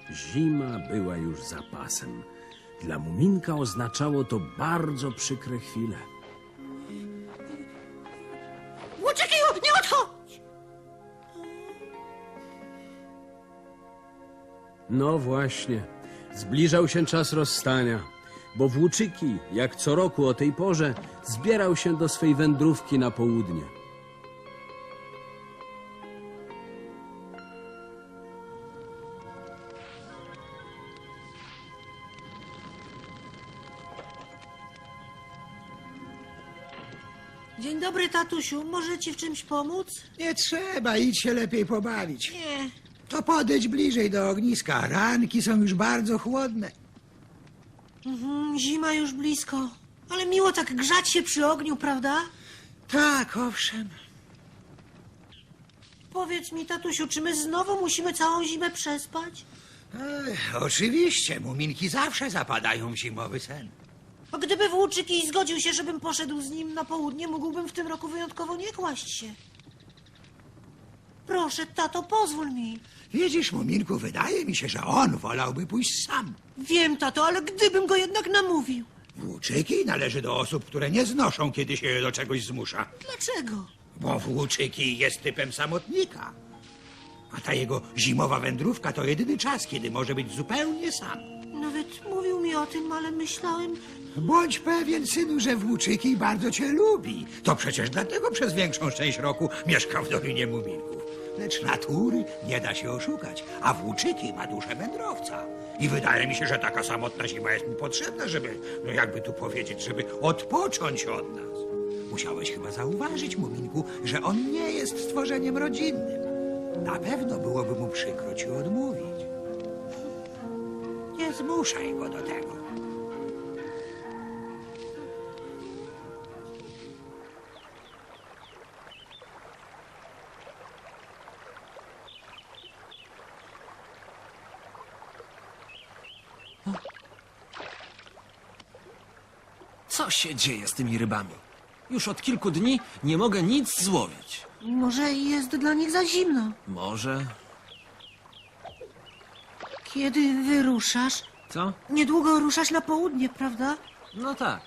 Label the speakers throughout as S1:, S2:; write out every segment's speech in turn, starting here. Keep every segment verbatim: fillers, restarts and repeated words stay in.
S1: Zima była już za pasem. Dla Muminka oznaczało to bardzo przykre chwile.
S2: Łuczykiju, nie odchodź!
S1: No właśnie, zbliżał się czas rozstania, bo Włóczyki, jak co roku o tej porze, zbierał się do swej wędrówki na południe.
S2: Dzień dobry, tatusiu. Może ci w czymś pomóc?
S3: Nie trzeba, idź się lepiej pobawić.
S2: Nie.
S3: To podejdź bliżej do ogniska. Ranki są już bardzo chłodne.
S2: Mhm, zima już blisko. Ale miło tak grzać się przy ogniu, prawda?
S3: Tak, owszem.
S2: Powiedz mi, tatusiu, czy my znowu musimy całą zimę przespać?
S3: Ech, oczywiście, muminki zawsze zapadają w zimowy sen.
S2: A gdyby Włóczyki zgodził się, żebym poszedł z nim na południe, mógłbym w tym roku wyjątkowo nie kłaść się. Proszę, tato, pozwól mi.
S3: Widzisz, muminku, wydaje mi się, że on wolałby pójść sam.
S2: Wiem, tato, ale gdybym go jednak namówił.
S3: Włóczyki należy do osób, które nie znoszą, kiedy się je do czegoś zmusza.
S2: Dlaczego?
S3: Bo Włóczyki jest typem samotnika. A ta jego zimowa wędrówka to jedyny czas, kiedy może być zupełnie sam.
S2: Nawet mówił mi o tym, ale myślałem...
S3: Bądź pewien, synu, że Włóczyki bardzo cię lubi. To przecież dlatego przez większą część roku mieszka w Dolinie Muminków. Lecz natury nie da się oszukać, a Włóczyki ma duszę wędrowca. I wydaje mi się, że taka samotna zima jest mu potrzebna, żeby, no jakby tu powiedzieć, żeby odpocząć od nas. Musiałeś chyba zauważyć, Muminku, że on nie jest stworzeniem rodzinnym. Na pewno byłoby mu przykro ci odmówić. Nie zmuszaj go do tego.
S4: Co się dzieje z tymi rybami? Już od kilku dni nie mogę nic złowić.
S2: Może jest dla nich za zimno.
S4: Może...
S2: Kiedy wyruszasz?
S4: Co?
S2: Niedługo ruszasz na południe, prawda?
S4: No tak.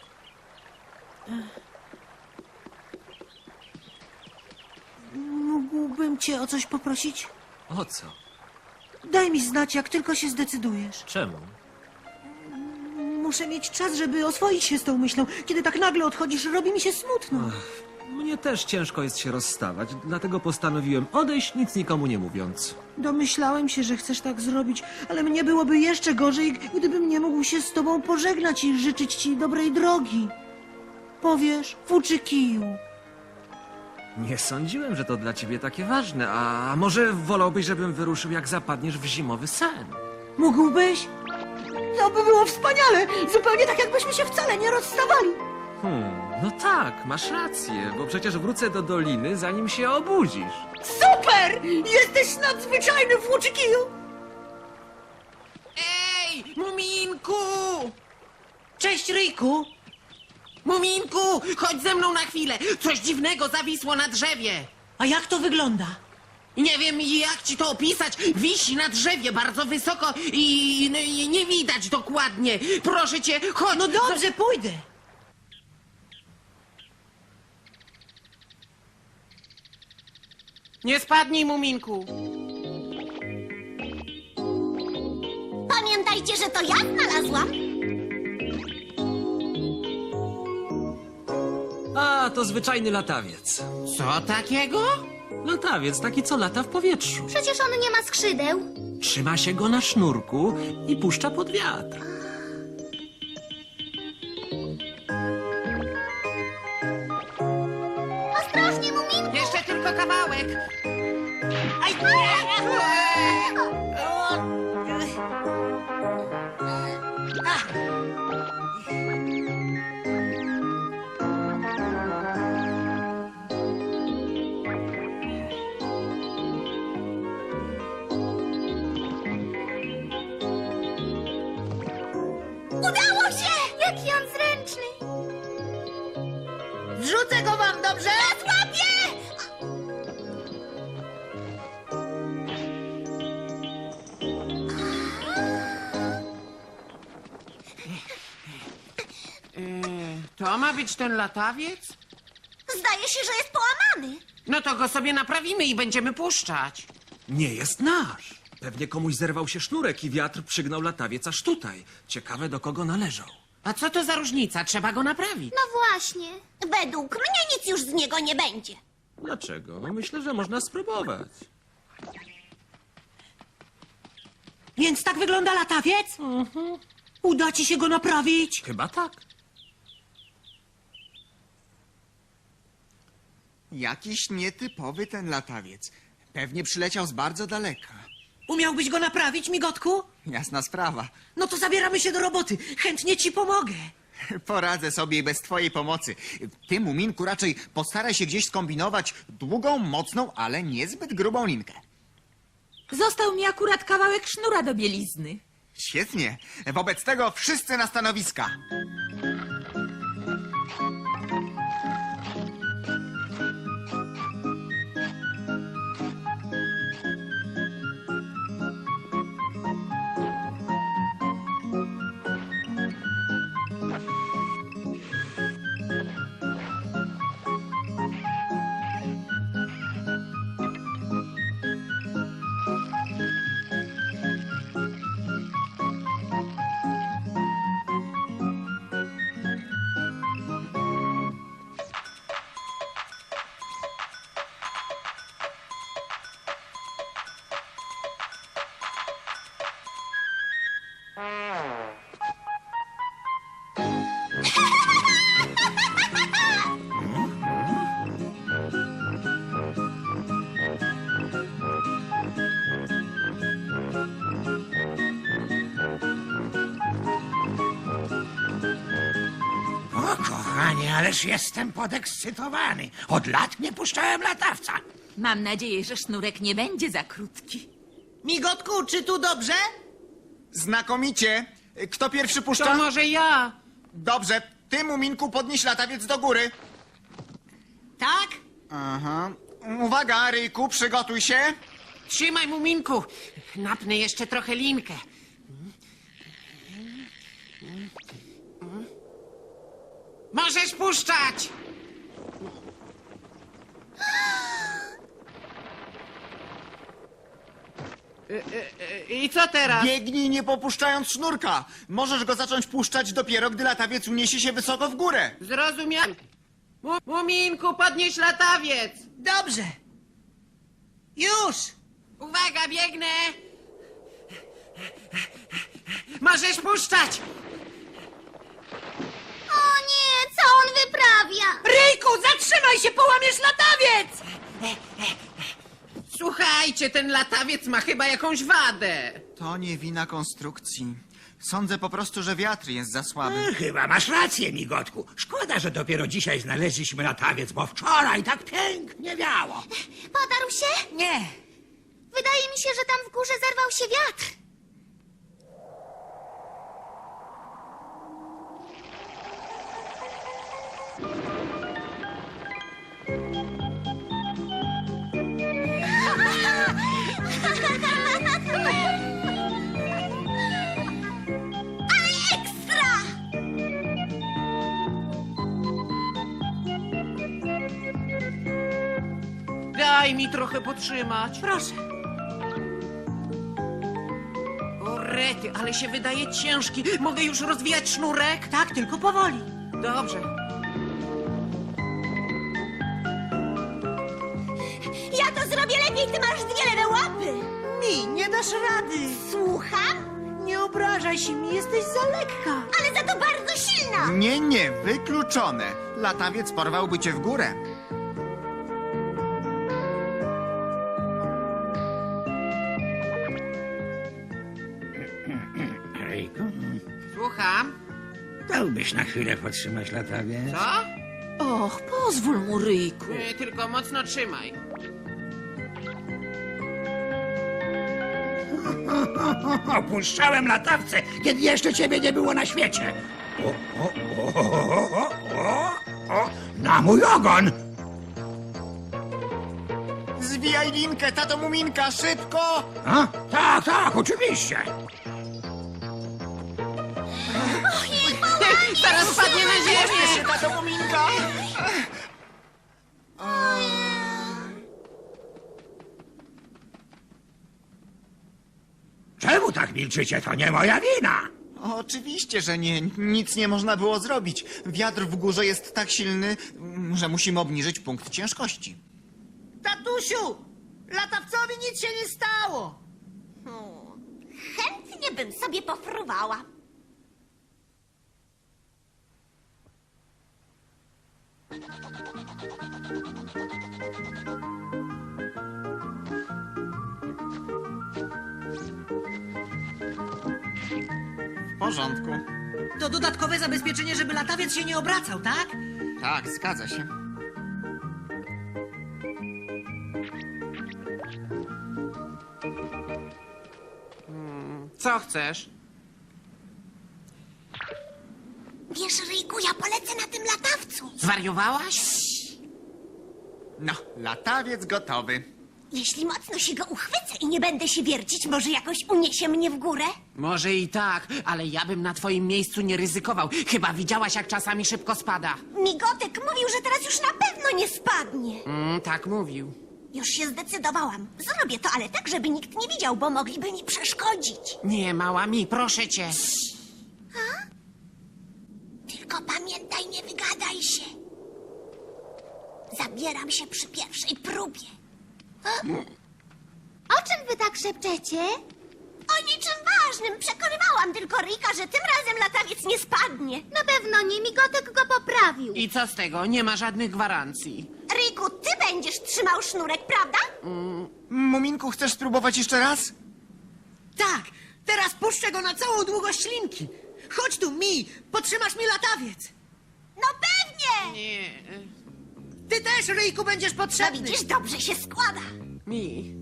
S2: Mógłbym cię o coś poprosić?
S4: O co?
S2: Daj mi znać, jak tylko się zdecydujesz.
S4: Czemu?
S2: Muszę mieć czas, żeby oswoić się z tą myślą. Kiedy tak nagle odchodzisz, robi mi się smutno.
S4: Mnie też ciężko jest się rozstawać, dlatego postanowiłem odejść, nic nikomu nie mówiąc.
S2: Domyślałem się, że chcesz tak zrobić, ale mnie byłoby jeszcze gorzej, gdybym nie mógł się z tobą pożegnać i życzyć ci dobrej drogi. Powiesz, Włóczykiju.
S4: Nie sądziłem, że to dla ciebie takie ważne, a może wolałbyś, żebym wyruszył, jak zapadniesz w zimowy sen?
S2: Mógłbyś? To by było wspaniale! Zupełnie tak, jakbyśmy się wcale nie rozstawali.
S4: Hmm, no tak, masz rację, bo przecież wrócę do doliny, zanim się obudzisz.
S2: Super! Jesteś nadzwyczajny, Włóczykiju!
S5: Ej, Muminku!
S2: Cześć, Ryjku!
S5: Muminku, chodź ze mną na chwilę. Coś dziwnego zawisło na drzewie.
S2: A jak to wygląda?
S5: Nie wiem, jak ci to opisać. Wisi na drzewie bardzo wysoko i, no, i nie widać dokładnie. Proszę cię, chodź.
S2: No dobrze, pójdę.
S5: Nie spadnij, Muminku.
S6: Pamiętajcie, że to ja znalazłam.
S4: A, to zwyczajny latawiec.
S5: Co takiego?
S4: Latawiec, taki co lata w powietrzu.
S6: Przecież on nie ma skrzydeł.
S4: Trzyma się go na sznurku i puszcza pod wiatr.
S6: Ostrożnie, Muminku.
S5: Jeszcze tylko kawałek.
S2: Aj, nie!
S6: Udało się! Jaki on zręczny.
S2: Zrzucę go wam, dobrze?
S6: Złapię!
S5: to ma być ten latawiec?
S6: Zdaje się, że jest połamany.
S5: No to go sobie naprawimy i będziemy puszczać.
S4: Nie jest nasz. Pewnie komuś zerwał się sznurek i wiatr przygnał latawiec aż tutaj. Ciekawe, do kogo należał.
S5: A co to za różnica? Trzeba go naprawić.
S6: No właśnie. Według mnie nic już z niego nie będzie.
S4: Dlaczego? No myślę, że można spróbować.
S2: Więc tak wygląda latawiec? Uda ci się go naprawić?
S4: Chyba tak.
S7: Jakiś nietypowy ten latawiec. Pewnie przyleciał z bardzo daleka.
S2: Umiałbyś go naprawić, migotku?
S7: Jasna sprawa.
S2: No to zabieramy się do roboty. Chętnie ci pomogę.
S7: Poradzę sobie i bez twojej pomocy. Ty, Muminku, raczej postaraj się gdzieś skombinować długą, mocną, ale niezbyt grubą linkę.
S8: Został mi akurat kawałek sznura do bielizny.
S7: Świetnie. Wobec tego wszyscy na stanowiska.
S3: O, kochanie, ależ jestem podekscytowany. Od lat nie puszczałem latawca.
S8: Mam nadzieję, że sznurek nie będzie za krótki.
S2: Migotku, czy tu dobrze?
S7: Znakomicie. Kto pierwszy
S5: To
S7: puszcza?
S5: może ja.
S7: Dobrze. Ty, Muminku, podnieś latawiec do góry.
S2: Tak?
S7: Aha. Uwaga, Ryjku, przygotuj się.
S5: Trzymaj, Muminku. Napnę jeszcze trochę linkę. Możesz puszczać! E, e, e, I co teraz?
S7: Biegnij nie popuszczając sznurka. Możesz go zacząć puszczać dopiero, gdy latawiec uniesie się wysoko w górę.
S5: Zrozumiałem. Mu- Muminku, podnieś latawiec!
S2: Dobrze. Już!
S5: Uwaga, biegnę! Możesz puszczać!
S6: O nie, co on wyprawia?
S2: Ryjku, zatrzymaj się, połamiesz latawiec!
S5: Słuchajcie, ten latawiec ma chyba jakąś wadę.
S7: To nie wina konstrukcji. Sądzę po prostu, że wiatr jest za słaby.
S3: E, Chyba masz rację, migotku. Szkoda, że dopiero dzisiaj znaleźliśmy latawiec, bo wczoraj tak pięknie wiało.
S6: Podarł się?
S2: Nie.
S6: Wydaje mi się, że tam w górze zerwał się wiatr. Ale ekstra!
S5: Daj mi trochę potrzymać.
S2: Proszę.
S5: O rety, ale się wydaje ciężki. Mogę już rozwijać sznurek?
S2: Tak, tylko powoli.
S5: Dobrze.
S6: Ja to zrobię lepiej, ty masz dwie lewe łapy.
S2: Mi, nie dasz rady.
S6: Słucham?
S2: Nie obrażaj się mi, jesteś za lekka.
S6: Ale za to bardzo silna.
S7: Nie, nie, wykluczone. Latawiec porwałby cię w górę.
S3: Ryjku,
S5: Słucham.
S3: dałbyś na chwilę podtrzymać latawiec?
S5: Co?
S8: Och, pozwól mu, Ryjku.
S5: E, tylko mocno trzymaj.
S3: Opuszczałem latawce, kiedy jeszcze ciebie nie było na świecie. O, o, o, o, o, o, na mój ogon!
S7: Zwijaj linkę, tato Muminka, szybko!
S3: A? Tak, tak, oczywiście.
S5: Zaraz spadnie na ziemię!
S7: Trzeba do Muminka!
S3: Czemu tak milczycie? To nie moja wina.
S7: Oczywiście, że nie. Nic nie można było zrobić. Wiatr w górze jest tak silny, że musimy obniżyć punkt ciężkości.
S2: Tatusiu! Latawcowi nic się nie stało!
S6: Chętnie bym sobie pofruwała.
S7: W porządku.
S2: To dodatkowe zabezpieczenie, żeby latawiec się nie obracał, tak?
S7: Tak, zgadza się.
S5: Co chcesz?
S6: Wiesz, Ryjku, ja polecę na tym latawcu.
S5: Zwariowałaś?
S7: No, latawiec gotowy.
S6: Jeśli mocno się go uchwycę i nie będę się wiercić, może jakoś uniesie mnie w górę?
S5: Może i tak, ale ja bym na twoim miejscu nie ryzykował. Chyba widziałaś, jak czasami szybko spada.
S6: Migotek mówił, że teraz już na pewno nie spadnie.
S5: Mm, tak mówił.
S6: Już się zdecydowałam. Zrobię to, ale tak, żeby nikt nie widział, bo mogliby mi przeszkodzić.
S5: Nie, mała mi, proszę cię.
S6: Tylko pamiętaj, nie wygadaj się. Zabieram się przy pierwszej próbie. O czym wy tak szepczecie? O niczym ważnym. Przekonywałam tylko Ryjka, że tym razem latawiec nie spadnie. Na pewno nie. Migotek go poprawił.
S5: I co z tego? Nie ma żadnych gwarancji.
S6: Ryjku, ty będziesz trzymał sznurek, prawda?
S7: Muminku, chcesz spróbować jeszcze raz?
S2: Tak! Teraz puszczę go na całą długość linki! Chodź tu, Mi! Potrzymasz mi latawiec!
S6: No pewnie!
S5: Nie,
S2: Ty też, Ryjku, będziesz
S6: No
S2: potrzebny!
S6: widzisz, dobrze się składa.
S5: mi.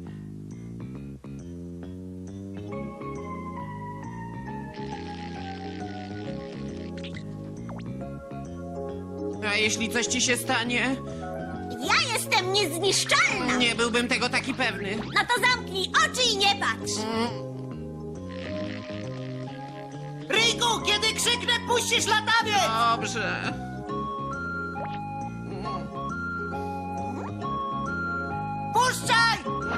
S5: A jeśli coś ci się stanie?
S6: Ja jestem niezniszczalna.
S5: Nie byłbym tego taki pewny.
S6: No to zamknij oczy i nie patrz.
S2: Ryjku, kiedy krzyknę, puścisz latawiec!
S5: Dobrze.
S2: Puszczaj!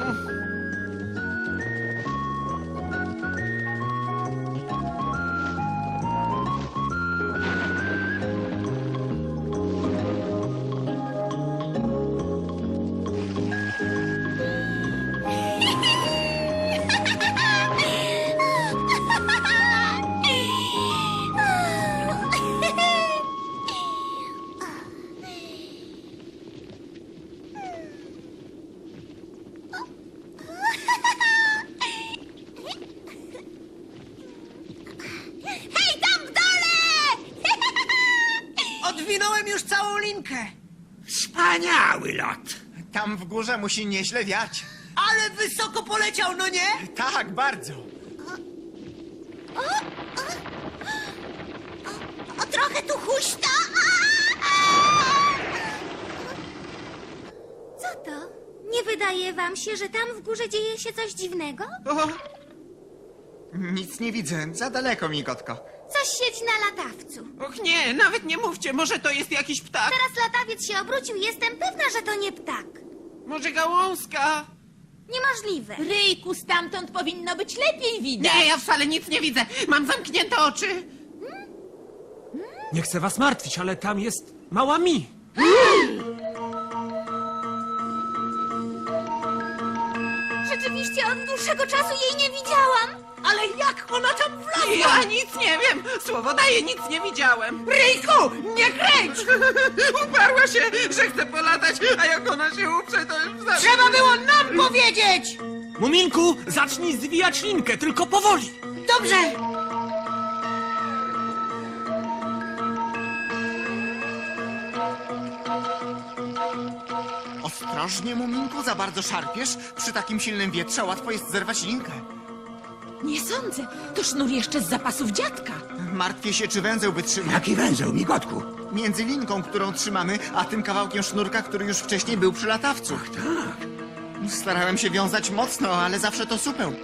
S6: Hej, tam w dole!
S2: Odwinąłem już całą linkę!
S3: Wspaniały lot.
S7: Tam w górze musi nieźle wiać.
S2: Ale wysoko poleciał, no nie?
S7: Tak, bardzo.
S6: O, trochę tu huśta. Co to? Nie wydaje wam się, że tam w górze dzieje się coś dziwnego?
S7: O! Nic nie widzę, za daleko, migotko.
S6: Coś siedzi na latawcu.
S5: Och nie, nawet nie mówcie, może to jest jakiś ptak?
S6: Teraz latawiec się obrócił, jestem pewna, że to nie ptak.
S5: Może gałązka?
S6: Niemożliwe.
S8: Ryjku, stamtąd powinno być lepiej widać.
S5: Nie, ja wcale nic nie widzę. Mam zamknięte oczy.
S4: Nie chcę was martwić, ale tam jest mała mi.
S6: Rzeczywiście od dłuższego czasu jej nie widziałam.
S2: Ale jak ona tam wlazła?
S5: Ja nic nie wiem. Słowo daję, nic nie widziałem.
S2: Ryjku, nie kręć!
S5: Uparła się, że chce polatać, a jak ona się uprze, to już za...
S2: Trzeba było nam powiedzieć!
S4: Muminku, zacznij zwijać linkę, tylko powoli.
S2: Dobrze!
S7: Ostrożnie, Muminku, za bardzo szarpiesz. Przy takim silnym wietrze łatwo jest zerwać linkę.
S8: Nie sądzę. To sznur jeszcze z zapasów dziadka.
S7: Martwię się, czy węzeł wytrzyma.
S3: Jaki węzeł, migotku?
S7: Między linką, którą trzymamy, a tym kawałkiem sznurka, który już wcześniej był przy latawcu.
S3: Tak.
S7: Starałem się wiązać mocno, ale zawsze to supeł.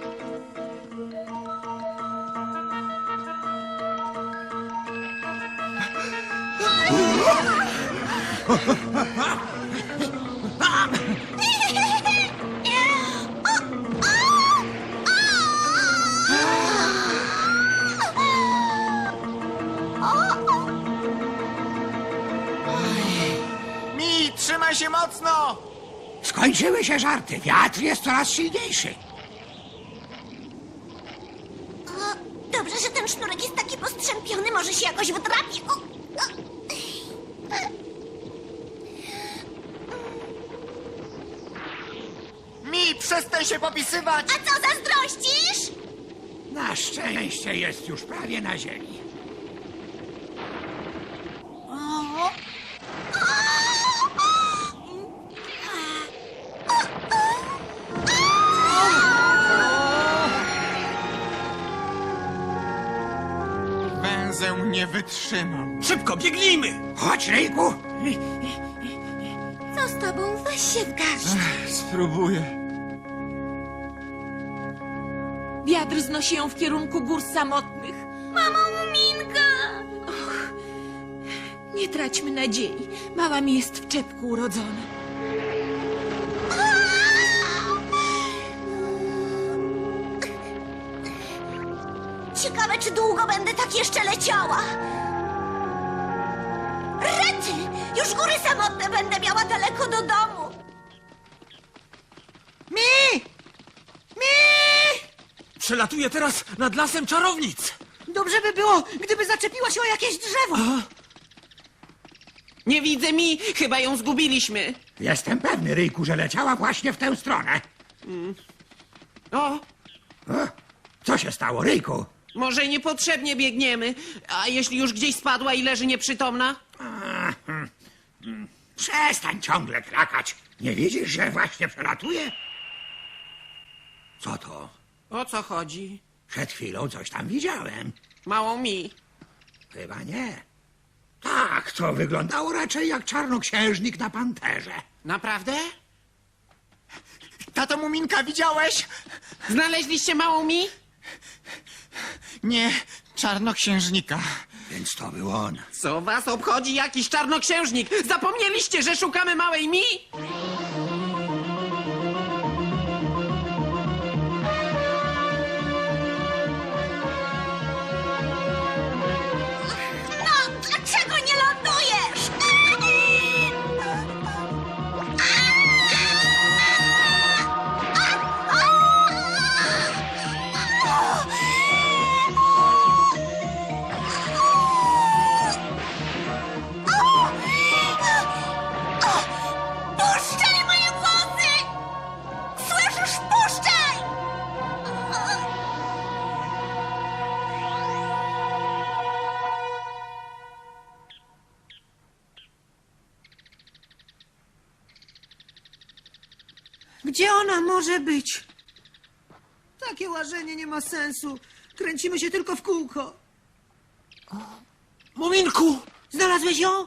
S7: Mi, trzymaj się mocno!
S3: Skończyły się żarty. Wiatr jest coraz silniejszy.
S6: O, dobrze, że ten sznurek jest taki postrzępiony, może się jakoś wdrapie. O, o.
S7: Mi, przestań się popisywać!
S6: A co, zazdrościsz?
S3: Na szczęście jest już prawie na ziemi.
S7: Węzeł nie wytrzymał.
S4: Szybko, biegnijmy!
S3: Chodź, Ryjku.
S6: Co z tobą? Weź się w garść.
S7: Spróbuję.
S8: Wiatr znosi ją w kierunku gór samotnych.
S6: Mamo, Muminka!
S8: Och, nie traćmy nadziei. Mała mi jest w czepku urodzona.
S6: Ciekawe, czy długo będę tak jeszcze leciała. Rety! Już góry samotne będę miała daleko do domu.
S2: Mi! Mi!
S4: Przelatuję teraz nad lasem czarownic!
S2: Dobrze by było, gdyby zaczepiła się o jakieś drzewo.
S5: Nie widzę mi, chyba ją zgubiliśmy.
S3: Jestem pewny, Ryjku, że leciała właśnie w tę stronę.
S5: O,
S3: O, co się stało, Ryjku?
S5: może niepotrzebnie biegniemy. A jeśli już gdzieś spadła i leży nieprzytomna?
S3: Przestań ciągle krakać. Nie widzisz, że właśnie przelatuje? Co to?
S5: O co chodzi?
S3: Przed chwilą coś tam widziałem.
S5: Małą mi.
S3: Chyba nie. Tak, to wyglądało raczej jak czarnoksiężnik na panterze.
S5: Naprawdę?
S7: Tato Muminka, widziałeś?
S5: Znaleźliście małą mi?
S7: Nie, czarnoksiężnika.
S3: Więc to był on.
S5: Co was obchodzi jakiś czarnoksiężnik? Zapomnieliście, że szukamy małej mi?
S6: No, dlaczego nie lądujesz? Puszczaj moje włosy! Słyszysz? Puszczaj!
S2: Gdzie ona może być? Takie łażenie nie ma sensu. Kręcimy się tylko w kółko.
S4: Muminku!
S2: Znalazłeś ją?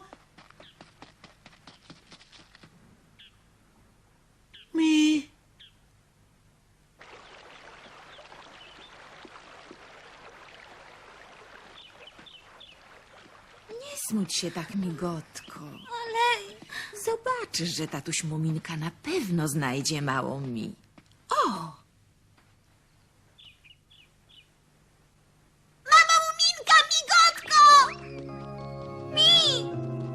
S2: Mi.
S8: Nie smuć się tak, migotko.
S6: Ale...
S8: Zobaczysz, że tatuś Muminka na pewno znajdzie małą mi. O!
S6: Mama Muminka, migotko! Mi!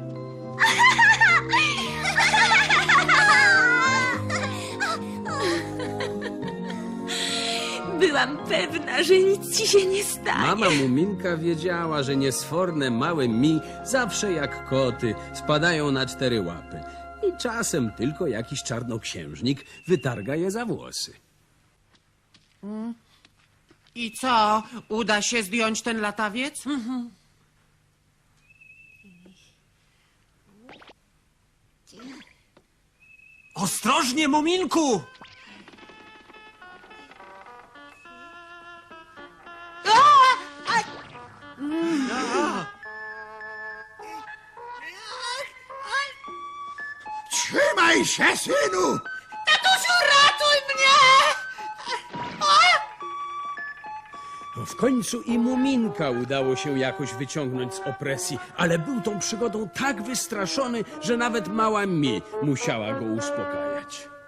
S8: Byłam pewna, że nic ci się nie stanie.
S1: Mama Muminka wiedziała, że niesforne małe mi zawsze jak koty spadają na cztery łapy. I czasem tylko jakiś czarnoksiężnik wytarga je za włosy.
S5: I co? Uda się zdjąć ten latawiec?
S4: Ostrożnie, Muminku!
S3: Trzymaj się, synu!
S2: Tatusiu, ratuj mnie!
S1: W końcu i Muminka udało się jakoś wyciągnąć z opresji, ale był tą przygodą tak wystraszony, że nawet mała Mi musiała go uspokajać.